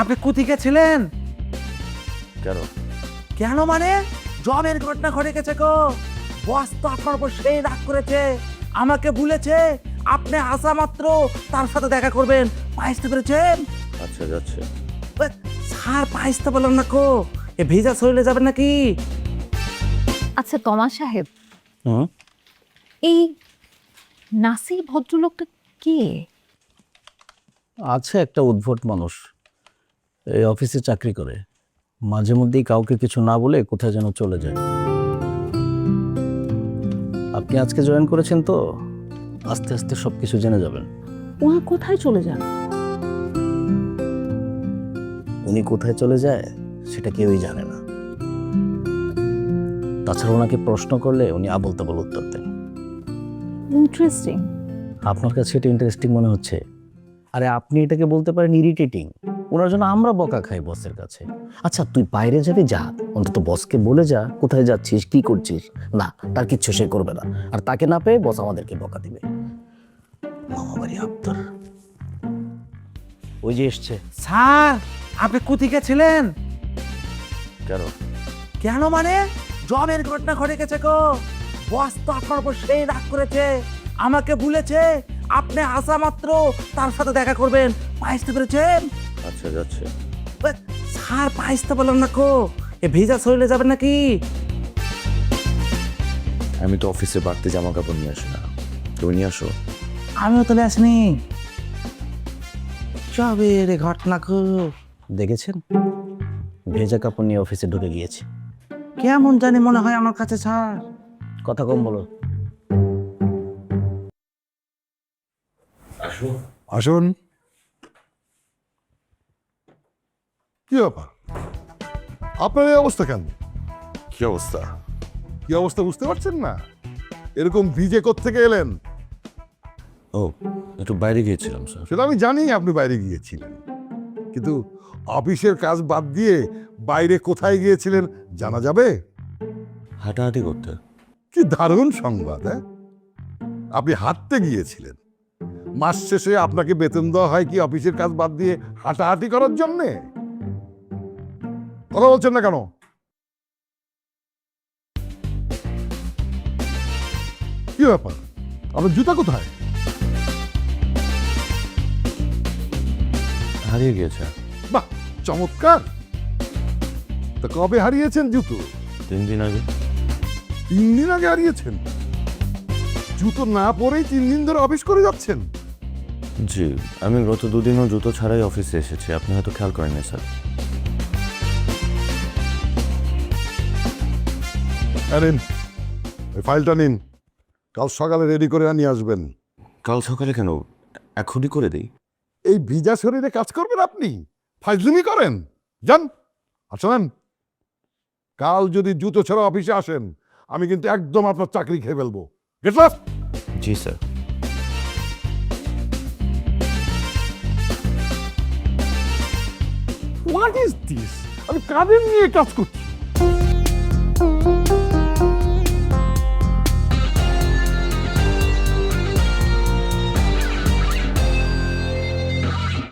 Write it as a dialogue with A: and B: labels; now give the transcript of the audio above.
A: আপনি কোথেকে ছিলেন?
B: কেন?
A: কেন মানে জবের ঘটনা ঘটে গেছে গো। বস তো আপনার উপর সেই রাগ করেছে, আমাকে বলেছে আপনি আসা মাত্র তার সাথে দেখা করবেন। পাইতে পেরেছেন?
B: আচ্ছা, যাচ্ছে।
A: স্যার পাইতে বললাম না কো, এ ভিজা শরীরে যাবেন নাকি?
C: আচ্ছা তমা সাহেব,
B: হুম।
C: এই নাসির ভদ্রলোকটা কে?
D: আছে একটা উদ্ভট মানুষ, এই অফিসে চাকরি করে, মাঝে মধ্যেই কাউকে কিছু না বলে কোথায় যেন চলে যায়। আপনি আজকে জয়েন করেছেন তো, আস্তে আস্তে সব কিছু জেনে যাবেন।
C: উনি কোথায় চলে যান?
D: উনি কোথায় চলে যায় সেটা কেউই জানে না। তাছাড়া ওনাকে প্রশ্ন করলে উনি আবল তাবল উত্তর দেন।
C: ইন্টারেস্টিং।
D: আপনার কাছে এটা ইন্টারেস্টিং মনে হচ্ছে? আরে আপনি এটাকে বলতে পারেন ইরিটেটিং। ওনার জন্য আমরা বকা খাই বসের কাছে। আচ্ছা তুই বাইরে যাবি, যা, অন্তত বসকে বলে যা কোথায় যাচ্ছিস, কি করছিস। না, তার কিচ্ছু সে করবে না, আর তাকে না পেয়ে বস আমাদেরকে বকা দিবে। মামাবাড়ি আবদার ওই যে এসছে।
A: স্যার আপনি কোথেকে ছিলেন?
B: কেন?
A: কেন মানে জবের ঘটনা ঘটে গেছে গো। বস তো আপনার উপর সেই রাগ করেছে, আমাকে বলেছে আপনি আসা মাত্র তার সাথে দেখা করবেন। পাইতে পেরেছেন?
B: আচ্ছা, যাচ্ছে।
A: স্যার পাইতে বললাম না কো, এ ভিজা শরীরে যাবেন নাকি?
B: আমি তো অফিসে বাড়তি জামা কাপড় নিয়ে আসি না, তুমি নিয়ে আসো।
A: আমিও তো আসিনি। জবের ঘটনা গো।
D: দেখেছেন, ভেজা কাপড় নিয়ে অফিসে ঢুকে গিয়েছে।
A: কেমন জানি মনে হয় আমার কাছে স্যার।
D: কথা কম বলো।
B: আসো।
E: আসুন। কি ব্যাপার, আপনার এই অবস্থা কেন?
B: কি অবস্থা?
E: কি অবস্থা বুঝতে পারছেন না? এরকম ভিজে কোত্থেকে এলেন?
B: ও, একটু বাইরে গিয়েছিলাম স্যার।
E: সেটা আমি জানি আপনি বাইরে গিয়েছিলেন, কিন্তু অফিসের কাজ বাদ দিয়ে বাইরে কোথায় গিয়েছিলেন জানা যাবে?
B: হাঁটাহাঁটি করতে।
E: কি দারুণ সংবাদ! হ্যাঁ, আপনি হাঁটতে গিয়েছিলেন। মাস শেষে আপনাকে বেতন দেওয়া হয় কি অফিসের কাজ বাদ দিয়ে হাঁটাহাঁটি করার জন্যে? কথা বলছেন না কেন? কি ব্যাপার, আপনার জুতা কোথায়?
B: হারিয়ে গিয়েছে।
E: বাহ, চমৎকার! তা কবে হারিয়েছেন জুতো?
B: 3 দিন আগে।
E: 3 দিন আগে হারিয়েছেন? জুতো না পরেই 3 দিন ধরে অফিস করে যাচ্ছেন?
B: জি, আমি গত 2 দিনও জুতো ছাড়াই অফিসে এসেছি, আপনি হয়তো খেয়াল করেননি স্যার।
E: নিন, ওই ফাইলটা নিন, কাল সকালে রেডি করে নিয়ে আসবেন।
B: কাল সকালে কেন, এখনই করে দিই।
E: এই ভিজা শরীরে কাজ করবেন আপনি? ফাইজলামি করেন? যান। আর শোনেন, কাল যদি জুতো ছাড়া অফিসে আসেন, আমি কিন্তু একদম আপনার চাকরি খেয়ে ফেলবো। Get lost!
B: জি স্যার।
E: What is this? আমি কাদের নিয়ে কাজ করছি?